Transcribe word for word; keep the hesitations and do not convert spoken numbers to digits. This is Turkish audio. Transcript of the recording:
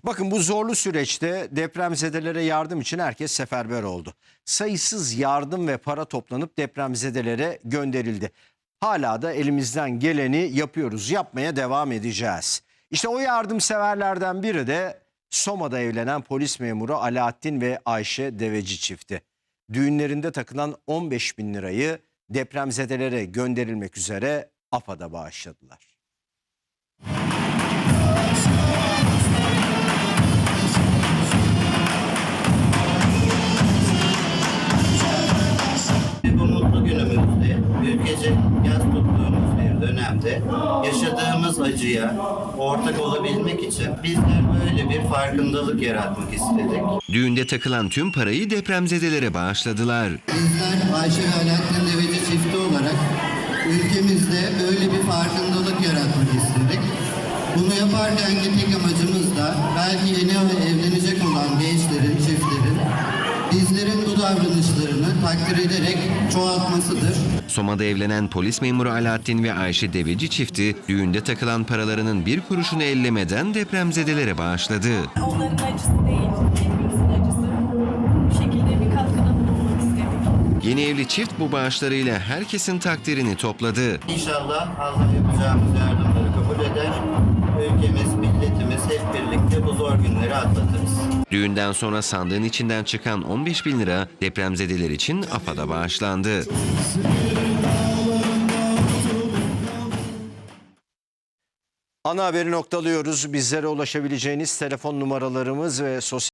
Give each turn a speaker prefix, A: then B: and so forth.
A: Bakın bu zorlu süreçte depremzedelere yardım için herkes seferber oldu. Sayısız yardım ve para toplanıp depremzedelere gönderildi. Hala da elimizden geleni yapıyoruz, yapmaya devam edeceğiz. İşte o yardımseverlerden biri de Soma'da evlenen polis memuru Alaaddin ve Ayşe Deveci çifti. Düğünlerinde takılan on beş bin lirayı depremzedelere gönderilmek üzere AFAD'a bağışladılar.
B: Bu mutlu günümüzde, ülkece yas tuttuğumuz bir dönemde yaşadığımız acıya ortak olabilmek için bizler böyle bir farkındalık yaratmak istedik.
C: Düğünde takılan tüm parayı depremzedelere bağışladılar.
B: Bizler Ayşe ve Alaaddin Deveci çifti olarak ülkemizde böyle bir farkındalık yaratmak istedik. Bunu yaparken tek amacımız da belki yeni evlenecek olan gençlerin, çiftlerin bizlerin bu davranışlarını takdir ederek çoğaltmasıdır.
C: Soma'da evlenen polis memuru Alaaddin ve Ayşe Deveci çifti düğünde takılan paralarının bir kuruşunu ellemeden depremzedelere bağışladı.
D: Onların acısı değil, hepimizin acısı. Bu şekilde bir katkıda bulunmak istedik.
C: Yeni evli çift bu bağışlarıyla herkesin takdirini topladı.
B: İnşallah Allah yapacağımız yardımları kabul eder. Ülkemiz, milletimiz hep birlikte bu zor günleri atlatırız.
C: Düğünden sonra sandığın içinden çıkan on beş bin lira depremzedeler için AFAD'a bağışlandı.
A: Ana haberi noktalıyoruz. Bizlere ulaşabileceğiniz telefon numaralarımız ve sosyal